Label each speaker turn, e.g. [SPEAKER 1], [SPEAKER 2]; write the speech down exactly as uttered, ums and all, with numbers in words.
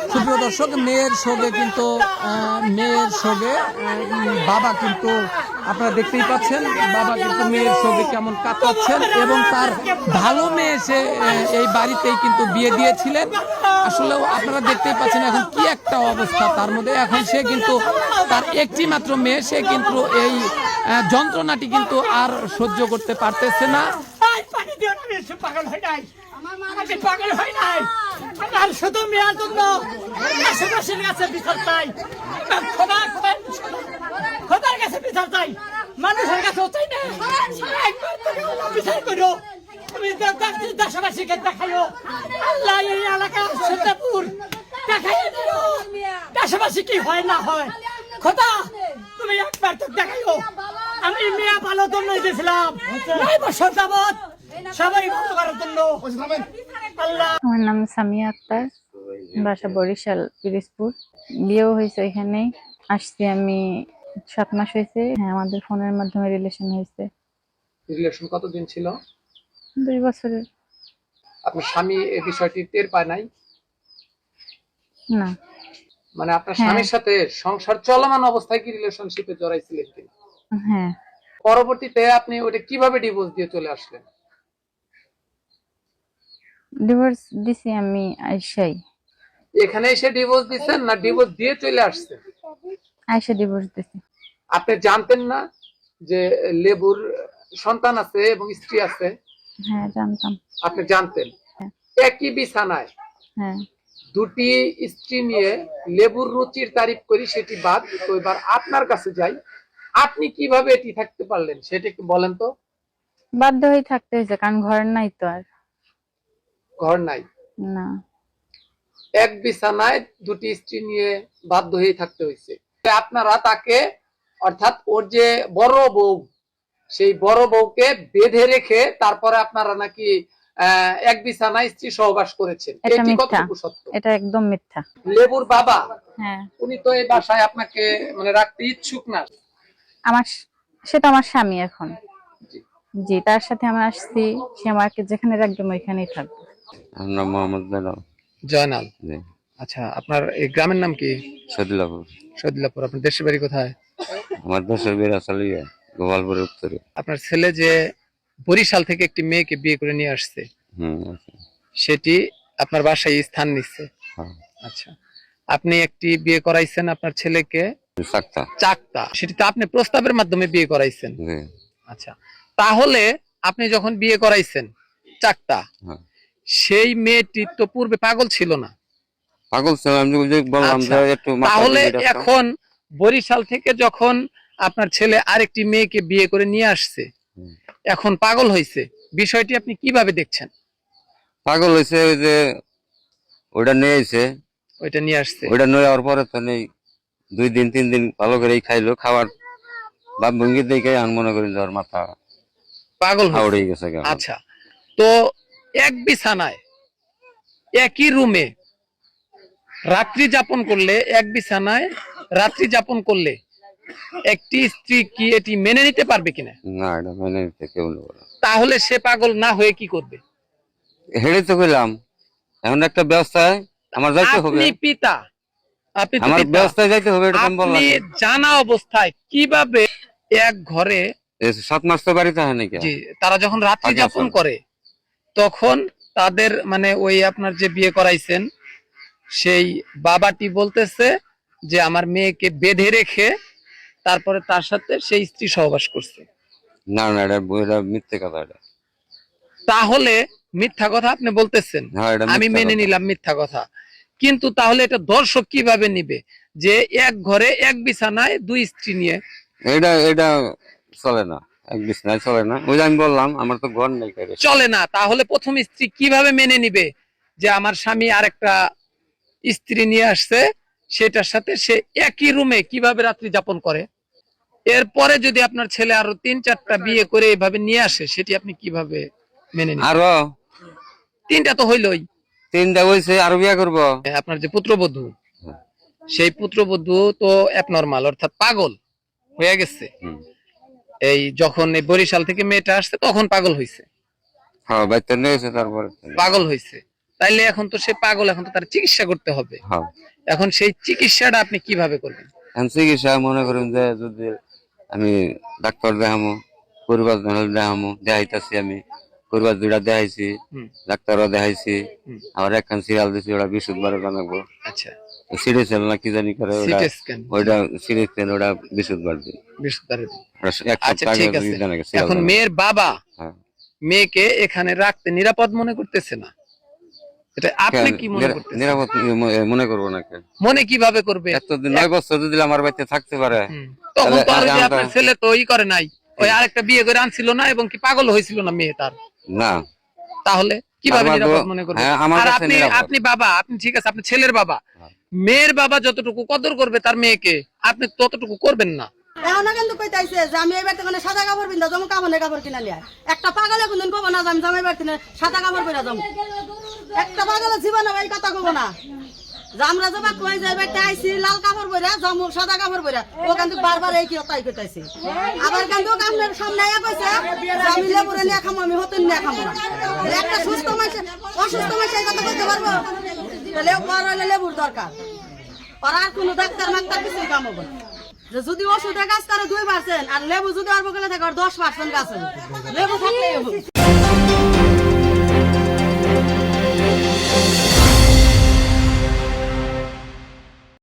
[SPEAKER 1] সুপ্রিয় দর্শক, মেয়ের সঙ্গে কিন্তু মেয়ের সঙ্গে বাবা কিন্তু আপনারা দেখতেই পাচ্ছেন, বাবা কিন্তু মেয়ের সঙ্গে কেমন কাতরাচ্ছেন এবং তার ভালো মেয়ে সে এই বাড়িতেই কিন্তু বিয়ে দিয়েছিলেন। আসলেও আপনারা দেখতেই পাচ্ছেন এখন কি একটা অবস্থা তার মধ্যে। এখন সে কিন্তু তার একটি মাত্র মেয়ে, সে কিন্তু এই যন্ত্রণাটি কিন্তু আর সহ্য করতে পারতেছে না।
[SPEAKER 2] পাগল হয় নাই, আমি পাগল হয় নাই, আমার শুধু মেয়ের জন্য আশেপাশের কাছে বিচার চাই, খোদা খোদার কাছে বিচার চাই, মানুষের কাছেও চাই না। বিচার করো, তুমি দেশবাসীকে দেখাইও, আল্লাহ এই এলাকা সীতাপুর দেখাইও দিও দেশবাসী কি হয় না হয়। খোদা তুমি একবার তো দেখাইও। আমি মেয়ে ভালো জন্য দিয়েছিলাম নয় বছর যাবত, সবাই ভালো করার জন্য।
[SPEAKER 3] আমার নাম সামিয়া আক্তার, বাসা বরিশাল পিরিজপুর। বিয়েও হয়েছে এখানেই। আসছি আমি সাত মাস হয়েছে। হ্যাঁ, আমাদের ফোনের মাধ্যমে রিলেশন হয়েছে।
[SPEAKER 1] রিলেশন কতদিন ছিল?
[SPEAKER 3] দুই বছরের।
[SPEAKER 1] আপনার স্বামী এই বিষয়টি টের পায় নাই?
[SPEAKER 3] না,
[SPEAKER 1] মানে আপনার স্বামীর সাথে সংসার চলমান অবস্থায় কি রিলেশনশিপে জড়াইছিলেন কিনা?
[SPEAKER 3] হ্যাঁ।
[SPEAKER 1] পরবর্তীতে আপনি ওটা কিভাবে ডিভোর্স দিয়ে চলে আসলেন?
[SPEAKER 3] ডিভোর্স দিছি আমি আইসাই।
[SPEAKER 1] এখানে এসে ডিভোর্স দিচ্ছেন না ডিভোর্স দিয়ে চলে আসছেন?
[SPEAKER 3] আইসা ডিভোর্স দিছি।
[SPEAKER 1] আপনি জানতেন না যে লেবুর সন্তান আছে এবং স্ত্রী আছে?
[SPEAKER 3] হ্যাঁ, জানতাম।
[SPEAKER 1] আপনি জানতেন। একই বিছানায়
[SPEAKER 3] হ্যাঁ,
[SPEAKER 1] দুটি স্ত্রী নিয়ে লেবুর রুচির তারিফ করি, সেটি বাদ। তো এবার আপনার কাছে যাই, আপনি কিভাবে এটি থাকতে পারলেন সেটা একটু বলেন তো।
[SPEAKER 3] বাধ্য হয়ে থাকতে হয়েছে, কারণ ঘর নাই তো আর।
[SPEAKER 1] ঘর নাই?
[SPEAKER 3] না।
[SPEAKER 1] এক বিছানায় দুটি স্ত্রী নিয়ে বাধ্য হয়ে থাকতে হয়েছে। আপনারা তাকে, অর্থাৎ ওর যে বড় বউ, সেই বড় বউকে বেঁধে রেখে তারপরে আপনারা নাকি আহ এক বিছানায় স্ত্রী সহবাস করেছেন।
[SPEAKER 3] এটা
[SPEAKER 1] এটি
[SPEAKER 3] মিথ্যা।
[SPEAKER 1] কতটুকু সত্য?
[SPEAKER 3] এটা একদম মিথ্যা।
[SPEAKER 1] লেবুর বাবা,
[SPEAKER 3] হ্যাঁ,
[SPEAKER 1] উনি তো এই বাসায় আপনাকে মানে রাখতে ইচ্ছুক না।
[SPEAKER 3] আমার সেটা আমার স্বামী এখন। জি, তার সাথে আমি আসছি, সে আমাকে যেখানে রাখবে আমি ওইখানেই থাকবো।
[SPEAKER 4] আমরা মোহাম্মদ জয়নাল।
[SPEAKER 1] জয়নাল।
[SPEAKER 4] জি।
[SPEAKER 1] আচ্ছা, আপনার এই গ্রামের নাম কি?
[SPEAKER 4] সদিলাপুর।
[SPEAKER 1] সদিলাপুর। আপনার দেশের বাড়ি কোথায়?
[SPEAKER 4] আমার দেশের বিয়ে আসলে গোপালপুরের উত্তরে।
[SPEAKER 1] আপনার ছেলে যে বরিশাল থেকে একটি মেয়েকে বিয়ে করে নিয়ে আসছে,
[SPEAKER 4] হুম, আচ্ছা।
[SPEAKER 1] সেটি আপনার বাসায় স্থান নিচ্ছে?
[SPEAKER 4] হ্যাঁ।
[SPEAKER 1] আচ্ছা, আপনি একটি বিয়ে করাইছেন আপনার ছেলেকে
[SPEAKER 4] চাকতা।
[SPEAKER 1] চাকতা, সেটি তো আপনি প্রস্তাবের মাধ্যমে বিয়ে করাইছেন?
[SPEAKER 4] জি।
[SPEAKER 1] আচ্ছা, তাহলে আপনি যখন বিয়ে করাইছেন চাকতা,
[SPEAKER 4] হ্যাঁ।
[SPEAKER 1] সেই মেয়েটি তো পূর্বে পাগল ছিল না?
[SPEAKER 4] পাগল ছিল, আমি যে বললাম যে একটু মাথা
[SPEAKER 1] তাহলে
[SPEAKER 4] দিয়ে রাখতো।
[SPEAKER 1] এখন বরিশাল থেকে যখন আপনার ছেলে আরেকটি মেয়েকে বিয়ে করে নিয়ে আসছে,
[SPEAKER 4] হুম।
[SPEAKER 1] এখন পাগল হয়েছে, বিষয়টি আপনি কিভাবে দেখছেন?
[SPEAKER 4] পাগল হয়েছে ওই যে ওইটা নিয়ে আইছে,
[SPEAKER 1] ওইটা নিয়ে আসছে,
[SPEAKER 4] ওইটা নিয়ে যাওয়ার পরে তো নেই দুই দিন তিন দিন ভালো করে খাইলো, খাওয়ার বাপ ভঙ্গি দেখে আমি মনে করি যাওয়ার মাথা
[SPEAKER 1] পাগল
[SPEAKER 4] হাওড়ে
[SPEAKER 1] হয়েছে।
[SPEAKER 4] গেছে।
[SPEAKER 1] আচ্ছা, তো এক বিছানায় একই রুমে রাত্রি যাপন করলে, এক বিছানায় রাত্রি যাপন করলে একটি স্ত্রী কি এটি মেনে নিতে পারবে কিনা?
[SPEAKER 4] না, এটা মেনে নিতে কেউ নেব না।
[SPEAKER 1] তাহলে সে পাগল না হয়ে কি করবে?
[SPEAKER 4] হেঁটে তো কইলাম, এখন একটা ব্যবস্থায় আমার যাইতে হবে।
[SPEAKER 1] আপনি পিতা, আপনি তো
[SPEAKER 4] আমার
[SPEAKER 1] পিতা।
[SPEAKER 4] ব্যবস্থায় যাইতে হবে, এটা আমি বললাম।
[SPEAKER 1] আপনি জানা অবস্থায় কিভাবে এক ঘরে,
[SPEAKER 4] এই সাত মাস তো বাড়িতে হয় নাকি?
[SPEAKER 1] জি, তারা যখন রাত্রি
[SPEAKER 4] আগে
[SPEAKER 1] যাপন
[SPEAKER 4] আসলে।
[SPEAKER 1] করে তখন তাদের মানে ওই আপনার যে বিয়ে করাইছেন সেই বাবাটি বলতেছে যে আমার মেয়েকে বেঁধে রেখে তারপরে তার সাথে সেই স্ত্রী সহবাস করছে।
[SPEAKER 4] না না, এটা এটা মিথ্যে কথা। এটা
[SPEAKER 1] তাহলে মিথ্যা কথা আপনি বলতেছেন,
[SPEAKER 4] হ্যাঁ, এটা
[SPEAKER 1] আমি
[SPEAKER 4] মিথ্যা
[SPEAKER 1] মেনে
[SPEAKER 4] কথা।
[SPEAKER 1] নিলাম মিথ্যা কথা, কিন্তু তাহলে এটা দর্শক কিভাবে নিবে যে এক ঘরে এক বিছানায় দুই স্ত্রী নিয়ে?
[SPEAKER 4] এটা এটা চলে না, এক বিছনায় চলে না। ওই যে আমি বললাম আমার তো ঘর নেই।
[SPEAKER 1] চলে না, তাহলে প্রথম স্ত্রী কিভাবে মেনে নিবে যে আমার স্বামী আরেকটা স্ত্রী নিয়ে আসছে, সেটার সাথে সে একই রুমে কিভাবে রাত্রি যাপন করে? এরপরে যদি আপনার ছেলে আরো তিন চারটা বিয়ে করে এইভাবে নিয়ে আসে, সেটি আপনি কিভাবে মেনে নিবেন?
[SPEAKER 4] আরো
[SPEAKER 1] তিনটা তো হইলই,
[SPEAKER 4] তিনটা হয়েছে, আরো বিয়ে করবো।
[SPEAKER 1] আপনার যে পুত্রবধূ, সেই পুত্রবধূ তো অ্যাবনরমাল, অর্থাৎ পাগল হয়ে গেছে। এই যখন এই বরিশাল থেকে মেয়েটা আসছে তখন পাগল হয়েছে।
[SPEAKER 4] হ্যাঁ, বাচ্চা নিয়েছে, তারপরে
[SPEAKER 1] পাগল হয়েছে। তাইলে এখন তো সে পাগল, এখন তো তার চিকিৎসা করতে হবে।
[SPEAKER 4] হ্যাঁ
[SPEAKER 1] এখন সেই চিকিৎসাটা আপনি কিভাবে করবেন?
[SPEAKER 4] এখন চিকিৎসা মনে করেন যে যদি আমি ডাক্তার দেখামো, পরিবার দেখামো, দেখাইতেছি আমি পরিবার দুইটা দেখাইছি,
[SPEAKER 1] হুম।
[SPEAKER 4] ডাক্তারও দেখাইছি,
[SPEAKER 1] হুম।
[SPEAKER 4] আবার একখান সিরিয়াল দিছি, ওটা বিশুদ্ধবারে জানাবো।
[SPEAKER 1] আচ্ছা,
[SPEAKER 4] সিরিজ না কি জানি করে ওটা,
[SPEAKER 1] সিটি স্ক্যান,
[SPEAKER 4] ওইটা সিরিজ ওটা বিশুদ্ধবার দিই।
[SPEAKER 1] বৃহস্পতিবার।
[SPEAKER 4] ওটা এক
[SPEAKER 1] আচ্ছা
[SPEAKER 4] সপ্তাহ
[SPEAKER 1] ঠিক
[SPEAKER 4] আগে
[SPEAKER 1] আছে।
[SPEAKER 4] জানা গেছে, serial
[SPEAKER 1] এখন
[SPEAKER 4] জানা।
[SPEAKER 1] মেয়ের বাবা
[SPEAKER 4] হ্যাঁ।
[SPEAKER 1] মেয়েকে এখানে রাখতে নিরাপদ মনে করতেছে না, এটা আপনি কি মনে
[SPEAKER 4] নিরা-
[SPEAKER 1] করতেছেন?
[SPEAKER 4] নিরাপদ মনে করবো না কেন?
[SPEAKER 1] মনে কিভাবে করবে?
[SPEAKER 4] এতদিন নয় বছর যদি আমার বাড়িতে থাকতে পারে,
[SPEAKER 1] হুম। তখন তো আর ওই যে
[SPEAKER 4] তাহলে
[SPEAKER 1] আপনার ছেলে তো ই করে নাই, ওই আরেকটা বিয়ে করে আনছিল না, এবং কি পাগল হয়েছিল না মেয়ে তার,
[SPEAKER 4] না
[SPEAKER 1] তাহলে কিভাবে
[SPEAKER 4] আমার
[SPEAKER 1] নিরাপদ
[SPEAKER 4] তো-
[SPEAKER 1] মনে করবে?
[SPEAKER 4] হ্যাঁ, আমার
[SPEAKER 1] আর
[SPEAKER 4] কাছে
[SPEAKER 1] আপনি
[SPEAKER 4] নিরাপদ।
[SPEAKER 1] আপনি বাবা, আপনি ঠিক আছে, আপনি ছেলের বাবা,
[SPEAKER 4] হ্যাঁ।
[SPEAKER 1] মেয়ের বাবা যতটুকু কদর করবে তার মেয়েকে, আপনি ততটুকু করবেন না।
[SPEAKER 5] এখন কিন্তু কইতাইছে যে আমি এবার তো সাদা কাপড় পিন্ধা যাবো, কামনের কাপড় কিনা নিয়ে একটা পাগলে কোনদিন কব না যে আমি জামাই বাড়তে সাদা কাপড় পরে যাবো। একটা পাগলের জীবনে এই কথা কব না যে আমরা যাবা কই যাই বাড়তে আইছি লাল কাপড় পরে যাবো, সাদা কাপড় পরে। ও কিন্তু বারবার এই কি তাই কইতাইছে। আবার কিন্তু আপনার সামনে আয়া কইছে যে আমি লেবুরে নিয়ে খামো, আমি হতেন নিয়ে খামো না। একটা সুস্থ মানুষ অসুস্থ মানুষ এই কথা কইতে পারবো? তাহলে পর হইলে লেবুর দরকার, আর আর কোনো ডাক্তার মাক্তার কিছুই কাম হবে না। যে যদি ওষুধে গাছ করে দুই পার্সেন্ট আর লেবু যদি অল্প গেলে থাকে দশ পার্সেন্ট গাছ হবে। লেবু থাকলেই হবে।